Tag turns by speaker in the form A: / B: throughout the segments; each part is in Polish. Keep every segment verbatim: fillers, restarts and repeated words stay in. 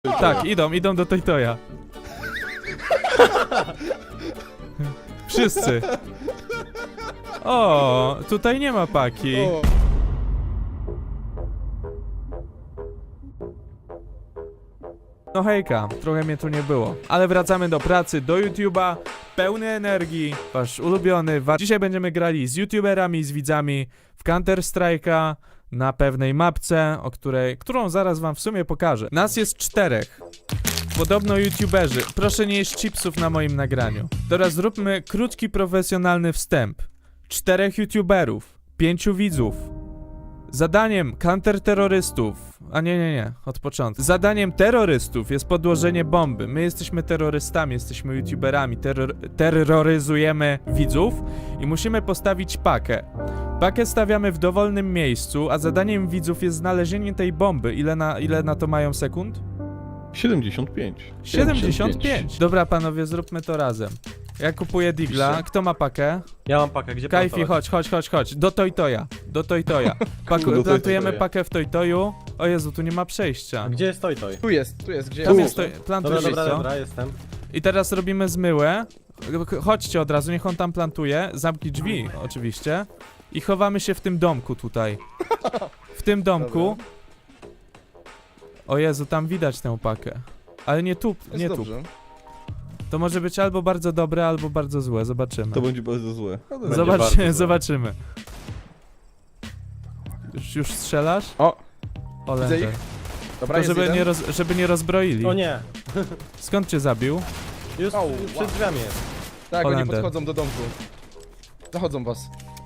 A: Tak, idą, idą do Toytoja. Wszyscy. O, tutaj nie ma paki.
B: O.
A: No hejka, trochę mnie tu nie było. Ale wracamy do pracy, do YouTube'a, pełny energii, wasz ulubiony. Wa Dzisiaj będziemy grali z YouTuberami, z widzami w Counter Strike'a na pewnej mapce, o której, którą zaraz wam w sumie pokażę. Nas jest czterech. Podobno YouTuberzy. Proszę nie jeść chipsów na moim nagraniu. Teraz zróbmy krótki, profesjonalny wstęp. Czterech YouTuberów, pięciu widzów. Zadaniem counterterrorystów, a nie, nie, nie, od początku. Zadaniem terrorystów jest podłożenie bomby. My jesteśmy terrorystami, jesteśmy YouTuberami, terror terroryzujemy widzów i musimy postawić pakę. Pakę stawiamy w dowolnym miejscu, a zadaniem widzów jest znalezienie tej bomby. Ile na, ile na to mają sekund?
B: siedemdziesiąt pięć.
A: siedemdziesiąt pięć. Dobra panowie, zróbmy to razem. Ja kupuję digla. Kto ma pakę?
C: Ja mam pakę, gdzie
A: Kajfi,
C: plantować?
A: chodź, chodź, chodź, chodź. Do Toytoja. Do Toytoja. Paku,
B: Do
A: plantujemy
B: Toytoja.
A: pakę w Toytoju. O Jezu, tu nie ma przejścia.
C: A gdzie jest toj toj?
B: Tu jest, tu jest, gdzie
A: Tam
B: jest?
A: jest to,
C: Dobra,
A: plantujesz
C: dobra,
A: co?
C: dobra, jestem.
A: I teraz robimy zmyłę. Chodźcie od razu, niech on tam plantuje. Zamknij drzwi, oczywiście. I chowamy się w tym domku tutaj. W tym domku. O Jezu, tam widać tę pakę. Ale nie tu,
B: Jest
A: nie tu.
B: dobrze.
A: To może być albo bardzo dobre, albo bardzo złe. Zobaczymy.
B: To będzie bardzo złe.
C: Będzie
A: Zobaczy,
C: bardzo złe.
A: zobaczymy. Już, już strzelasz?
B: O,
A: O,
B: widzę
A: lędę.
B: ich. Dobra,
A: To
B: jest
A: żeby
B: jeden.
A: nie, roz, żeby nie rozbroili.
C: O nie,
A: Skąd cię zabił?
C: już,
B: Au,
C: już
B: wow.
C: przed drzwiami jest.
B: Tak, oni
A: Holender.
B: podchodzą do domku. Zachodzą was.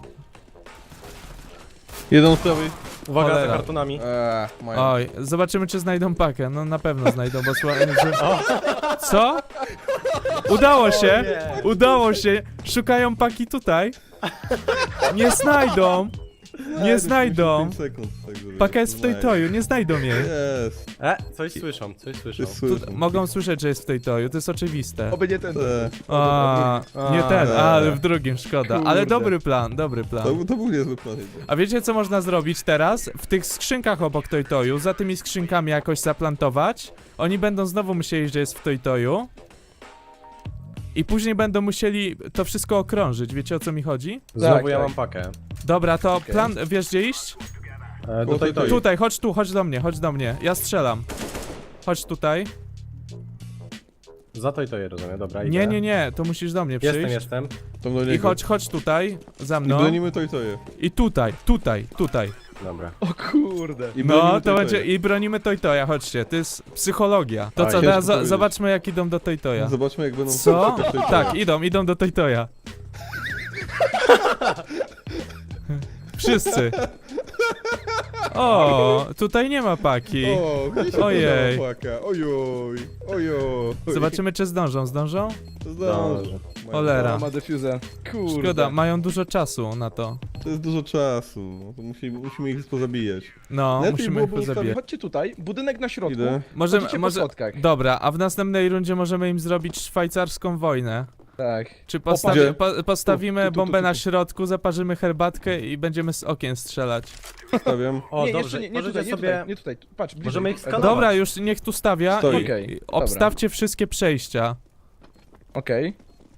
B: Jeden z prawej.
C: Uwaga
A: Cholera.
C: za kartonami.
B: Eee, mają.
A: Oj, zobaczymy czy znajdą pakę. No na pewno znajdą, bo sła... że... Co? Udało się!
C: nie.
A: Udało się! Szukają paki tutaj. Nie znajdą! Nie znajdą!
B: pięć sekund, tak żeby
A: Paka jest w
B: znaleźć.
A: Toytoju, nie znajdą jej.
B: Jest.
C: E, coś słyszą, coś słyszą.
B: Jest
A: Tu,
B: słyszę.
A: mogą słyszeć, że jest w Toytoju, to jest oczywiste.
B: Oby nie ten.
A: A,
B: A,
A: nie ten,
B: nie.
A: ale w drugim, szkoda. Ale
B: Kurde.
A: dobry plan, dobry plan.
B: To, to był niezły plan.
A: A wiecie co można zrobić teraz? W tych skrzynkach obok Toytoju, za tymi skrzynkami jakoś zaplantować. Oni będą znowu musieli, że jest w Toytoju. I później będą musieli to wszystko okrążyć, wiecie o co mi chodzi?
C: Znowu
B: Tak,
C: ja
B: tak.
C: mam pakę.
A: Dobra, to
B: Okej.
A: plan, wiesz gdzie iść?
C: E, do
B: Tutaj,
C: toj toj.
A: Tutaj, chodź tu, chodź do mnie, chodź do mnie. Ja strzelam. Chodź tutaj.
C: Za toj toj, rozumiem, dobra, idę.
A: Nie, nie, nie, to musisz do mnie przyjść.
C: Jestem, jestem.
B: Tam do niego.
A: I chodź, chodź tutaj, za
B: I
A: mną.
B: bronimy to i to je.
A: I tutaj, tutaj, tutaj.
C: Dobra.
B: O kurde. I
A: No,
B: bronimy
A: to
B: i
A: będzie,
B: je.
A: i bronimy Toytoja, chodźcie, to jest psychologia. To
C: Oj,
A: co,
B: ciężko
A: teraz zo-
B: powiedzieć.
A: zobaczmy jak idą do Toytoja.
B: Zobaczmy jak będą...
A: Co?
B: szukać Toytoja.
A: Tak, idą, idą do Toytoja. Wszyscy. O, tutaj nie ma paki.
B: O, gdzie się
A: Ojej.
B: podała płaka? Ojoj, ojoj.
A: Zobaczymy czy zdążą, zdążą?
B: Zdążę.
A: Cholera.
B: Ma defuzę. Kurde.
A: Szkoda, mają dużo czasu na to.
B: To jest dużo czasu. No to musimy, musimy ich pozabijać.
A: No,
B: Lepiej
A: musimy ich
B: byłoby ustawić.
A: pozabijać.
B: Chodźcie tutaj, budynek na środku.
A: Możemy,
B: Idę. Chodzicie po
A: może...
B: schodkach.
A: Dobra, a w następnej rundzie możemy im zrobić szwajcarską wojnę.
B: Tak.
A: Czy postawi...
B: Gdzie?
A: po, postawimy
B: Tu, tu, tu,
A: bombę
B: tu,
A: na
B: tu.
A: środku, zaparzymy herbatkę i będziemy z okien strzelać.
B: Stawiam.
C: O,
B: nie,
C: dobrze,
B: jeszcze nie, nie
C: możecie
B: tutaj, nie
C: sobie...
B: tutaj, nie tutaj. Patrz, bliżej.
C: Możemy ich
B: E,
C: skanować.
A: Dobra, już niech tu stawia
B: Stoi.
A: i,
B: Okej,
A: i
B: dobra.
A: obstawcie wszystkie przejścia.
B: Okej.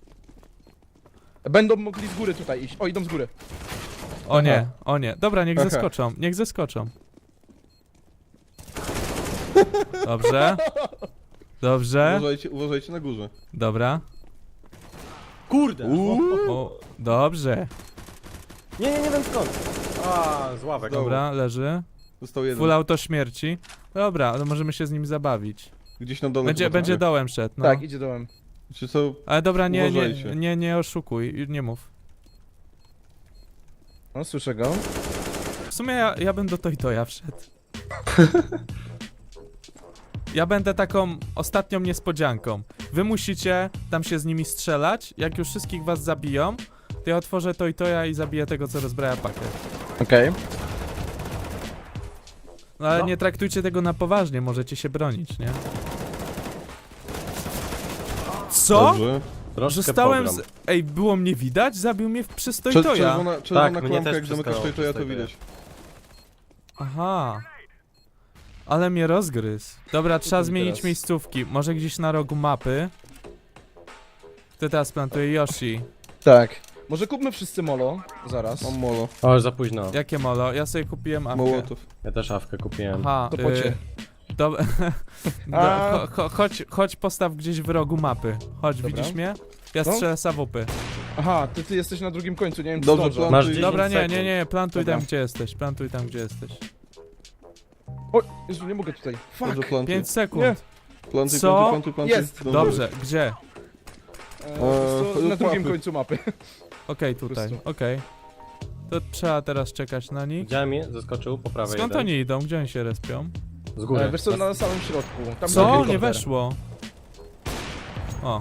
B: Będą mogli z góry tutaj iść. O, idą z góry.
A: O nie,
B: Aha.
A: o nie. Dobra, niech
B: Aha.
A: zeskoczą, niech zeskoczą. Dobrze. Dobrze.
B: Uważajcie, uważajcie na górze.
A: Dobra.
C: Kurde!
B: Uuu.
A: O, dobrze.
C: Nie, nie, nie wiem skąd. A, z ławek.
A: Dobra, leży.
B: Został jeden.
A: Full auto śmierci. Dobra, to możemy się z nim zabawić.
B: Gdzieś na dole.
A: Będzie,
B: chyba
A: będzie
B: będzie.
A: dołem szedł, no.
B: Tak, idzie dołem.
A: Tak.
B: Czy co?
A: Ale dobra, nie, nie,
B: Uważajcie.
A: nie, nie oszukuj, nie mów.
B: No, słyszę go.
A: W sumie ja, ja bym do Toytoja wszedł. Ja będę taką ostatnią niespodzianką. Wy musicie tam się z nimi strzelać. Jak już wszystkich was zabiją, to ja otworzę Toytoja i zabiję tego, co rozbraja pakę.
B: Okej.
A: No ale
C: No.
A: nie traktujcie tego na poważnie, możecie się bronić, nie? Co?
B: Dobrze.
C: Troszkę
A: Zostałem z...
C: pogrom.
A: Ej, było mnie widać? Zabił mnie w- przez
B: Czer-
A: Toytoja.
B: Czerwona, czerwona
C: mnie
B: klamka,
C: też
B: jak zamykasz
C: przestało
B: to, to ja to
C: przez
B: widać.
A: Aha. Ale mnie rozgryzł. Dobra, trzeba
C: ty
A: zmienić
C: teraz?
A: miejscówki. Może gdzieś na rogu mapy. Kto teraz plantuje? Yoshi.
D: Tak. Może kupmy wszyscy molo, zaraz.
B: Mam molo.
C: O, już za późno.
A: Jakie molo? Ja sobie kupiłem awkę.
B: Mołotów.
C: Ja też awkę kupiłem.
A: Aha,
D: To po cię.
A: Do, do,
D: A.
A: cho, cho, chodź, chodź postaw gdzieś w rogu mapy. Chodź,
D: Dobra.
A: widzisz mnie? Ja
D: No.
A: strzelę z awupy.
D: Aha, ty, ty jesteś na drugim końcu, nie wiem czy
B: Dobrze,
D: zdążę.
B: plan-
C: Masz
B: Dobra,
C: dziesięć
A: Dobra, nie,
C: sekund.
A: nie, nie, plantuj
D: Dobra.
A: tam gdzie jesteś, plantuj tam gdzie jesteś.
D: O, Jezu, nie mogę tutaj. Fuck.
B: Dobrze, plantuj.
A: pięć sekund.
D: Nie.
B: Plantuj,
A: Co?
B: plantuj, plantuj, plantuj.
D: Jest.
A: Dobrze, gdzie?
D: E, wiesz co,
B: Eee,
D: na drugim
B: łapy.
D: końcu mapy.
A: Okej, tutaj,
D: prostu.
A: okej. To trzeba teraz czekać na nich.
C: Widziałem je, zaskoczył po prawej
A: Skąd
C: jeden.
A: oni idą? Gdzie oni się respią?
C: Z góry.
D: E, wiesz co, na samym środku. Tam
A: Co?
D: helikopter.
A: Nie weszło. O.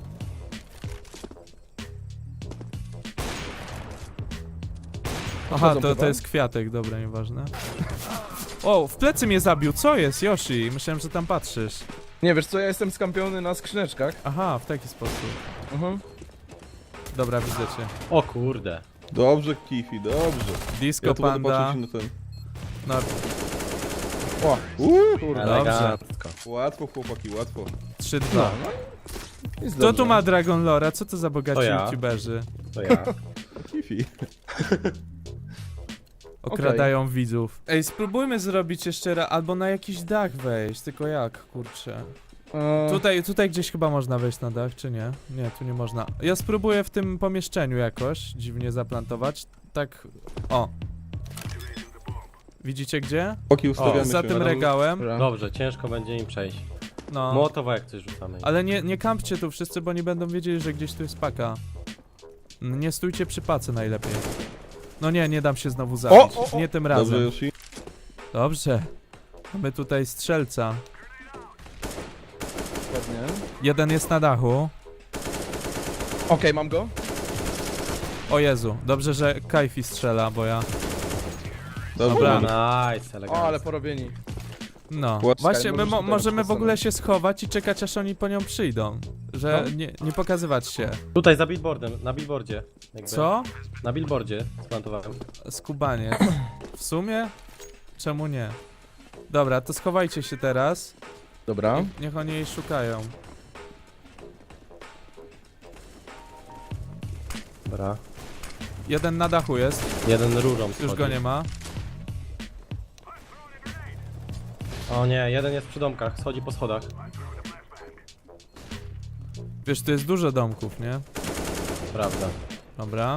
A: Aha,
D: Wchodzą
A: to, to
D: chyba.
A: jest kwiatek, dobra, nieważne. O, w plecy mnie zabił, co jest, Yoshi? Myślałem, że tam patrzysz.
D: Nie, wiesz co, ja jestem skampiony na skrzyneczkach.
A: Aha, w taki sposób.
D: Mhm.
A: Dobra, widzę cię.
C: O kurde.
B: Dobrze, Kifi, dobrze.
A: Disco
B: Ja tu będę
A: Panda.
B: patrzeć na ten.
A: No,
D: O,
B: Uuu,
D: kurde.
C: Elegancko.
B: łatwo chłopaki, łatwo.
A: trzy
D: No,
A: dwa.
D: no. Jest
A: Kto tu
D: dobrze.
A: ma Dragon Lora? Co to za bogaci
C: To ja.
A: youtuberzy?
C: To ja.
B: Kifi.
A: Okradają widzów. Ej, spróbujmy zrobić jeszcze raz, albo na jakiś dach wejść, tylko jak, kurczę.
D: E,
A: Tutaj, tutaj gdzieś chyba można wejść na dach, czy nie? Nie, tu nie można. Ja spróbuję w tym pomieszczeniu jakoś dziwnie zaplantować. Tak, o. Widzicie gdzie?
B: Oki ustawiamy
A: O, za
B: się.
A: tym
C: Dobra.
A: regałem.
D: dobra.
C: Dobrze, ciężko będzie im przejść.
A: No.
C: Mołotowa jak coś rzucamy.
A: Ale nie, nie kampcie tu wszyscy, bo nie będą wiedzieli, że gdzieś tu jest paka. Mm, Nie stójcie przy pace najlepiej. No nie, nie dam się znowu zabić.
D: o, o.
A: Nie tym
B: Dobrze,
A: razem.
B: Yoshi.
A: Dobrze. Mamy tutaj strzelca.
D: Ładnie.
A: Jeden jest na dachu.
D: Okej, mam go.
A: O Jezu, dobrze, że Kajfi strzela, bo ja...
B: Dobrze.
A: Dobra.
C: Nice,
D: O,
C: elegancko.
D: ale porobieni.
A: No.
B: Łaskaj,
A: Właśnie, my
D: możesz
A: mo
D: tutaj
A: możemy w
D: postawić.
A: ogóle się schować i czekać, aż oni po nią przyjdą. Że
D: No.
A: nie, nie pokazywać się.
C: Tutaj za billboardem, na billboardzie. Jakby.
A: Co?
C: Na billboardzie splantowałem.
A: Skubaniec. W sumie? Czemu nie? Dobra, to schowajcie się teraz.
D: Dobra.
A: Niech, niech oni jej szukają.
C: Dobra.
A: Jeden na dachu jest,
C: Jeden rurą
A: już
C: schodzi.
A: go nie ma.
C: O nie, jeden jest przy domkach, schodzi po schodach.
A: Wiesz, tu jest dużo domków, nie?
C: Prawda.
A: Dobra.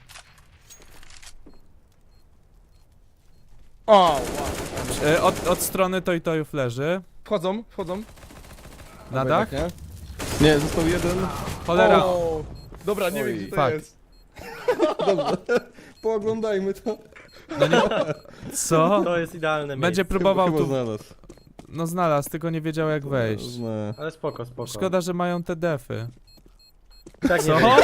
D: O, wow.
A: E, od, od strony Toy Toyów leży.
D: Wchodzą, wchodzą.
A: Na
D: Dobra,
A: dach?
D: jednak
B: Nie, został jeden.
A: Cholera.
D: O, dobra, nie
B: Oj,
D: wiem gdzie to
A: fuck.
D: jest.
B: Dobrze. Pooglądajmy to.
A: No nie... Co?
C: To jest idealne
A: Będzie
C: miejsce.
A: próbował
B: Chyba
A: tu...
B: znalazł.
A: No znalazł, tylko nie wiedział jak wejść.
B: Zna.
C: Ale spoko, spoko.
A: Szkoda, że mają te defy.
C: Tak
A: Co?
C: nie wiem.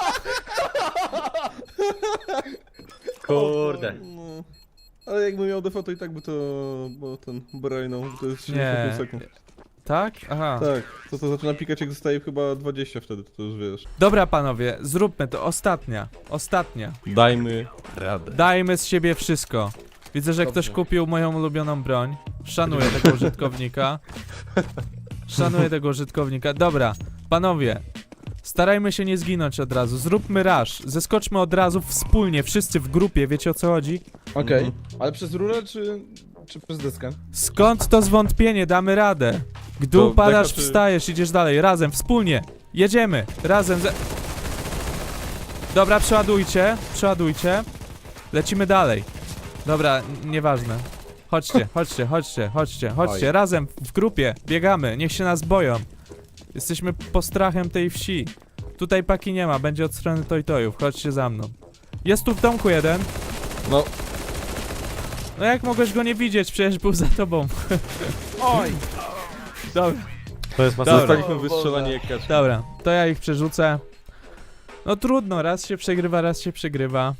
C: Kurde.
B: No. Ale jakby miał defa, to i tak by to... Bo ten brainął, to jest siedemdziesiąt pięć sekund.
A: Tak? Aha.
B: Tak, to to zaczyna pikać jak zostaje chyba dwadzieścia wtedy, to już wiesz.
A: Dobra panowie, zróbmy to. Ostatnia. Ostatnia.
B: Dajmy radę.
A: Dajmy z siebie wszystko. Widzę, że
D: Dobrze.
A: ktoś kupił moją ulubioną broń. Szanuję tego użytkownika. Szanuję tego użytkownika. Dobra, panowie. Starajmy się nie zginąć od razu. Zróbmy rush. Zeskoczmy od razu wspólnie, wszyscy w grupie. Wiecie o co chodzi?
D: Okej.
B: Mhm.
D: Ale przez rurę czy, czy przez deskę?
A: Skąd to zwątpienie? Damy radę. Gdy
B: To
A: upadasz,
B: deka czy-
A: wstajesz, idziesz dalej. Razem, wspólnie. Jedziemy. Razem. Ze... Dobra, przeładujcie. Przeładujcie. Lecimy dalej. Dobra, n- nieważne. Chodźcie, chodźcie, chodźcie, chodźcie, chodźcie.
C: Oj.
A: Razem, w grupie. Biegamy. Niech się nas boją. Jesteśmy postrachem tej wsi. Tutaj paki nie ma. Będzie od strony Toy-Toyów. Chodźcie za mną. Jest tu w domku jeden.
B: No,
A: No jak mogłeś go nie widzieć? Przecież był za tobą.
D: Oj!
A: Dobra.
C: To jest
A: Dobra.
C: masakra.
B: zostaliśmy wystrzelani jak kaczki.
A: Dobra, to ja ich przerzucę. No trudno, raz się przegrywa, raz się przegrywa.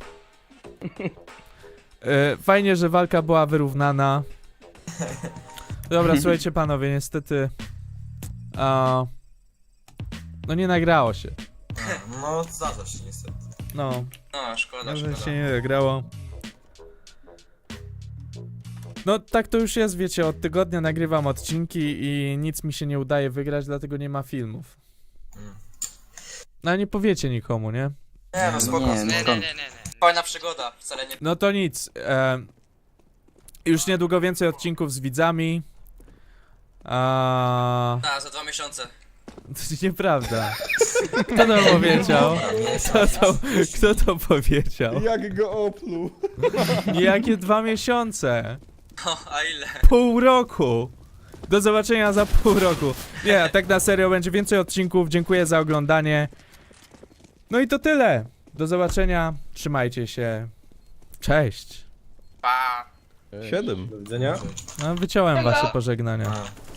A: E, fajnie, że walka była wyrównana. Dobra, słuchajcie panowie, niestety... A, no nie nagrało się.
E: No, zdarza się niestety.
A: No,
E: No, szkoda,
A: że
E: szkoda.
A: się nie nagrało. No tak to już jest, wiecie, od tygodnia nagrywam odcinki i nic mi się nie udaje wygrać, dlatego nie ma filmów.
E: Mm.
A: No ale nie powiecie nikomu, nie?
E: Nie no, spoko.
F: Nie, no skąd?
E: Fajna przygoda, wcale nie...
A: No to nic. E, już niedługo więcej odcinków z widzami. A...
E: A, za dwa miesiące.
A: To nieprawda. Kto to powiedział? Kto to, kto to powiedział?
B: Jak go opluł.
A: Jakie dwa miesiące?
E: O, a ile?
A: Pół roku. Do zobaczenia za pół roku. Nie, tak na serio będzie więcej odcinków. Dziękuję za oglądanie. No i to tyle. Do zobaczenia. Trzymajcie się. Cześć.
E: Pa!
B: Siedem.
C: Do widzenia.
A: No, wyciąłem wasze pożegnania.
E: A.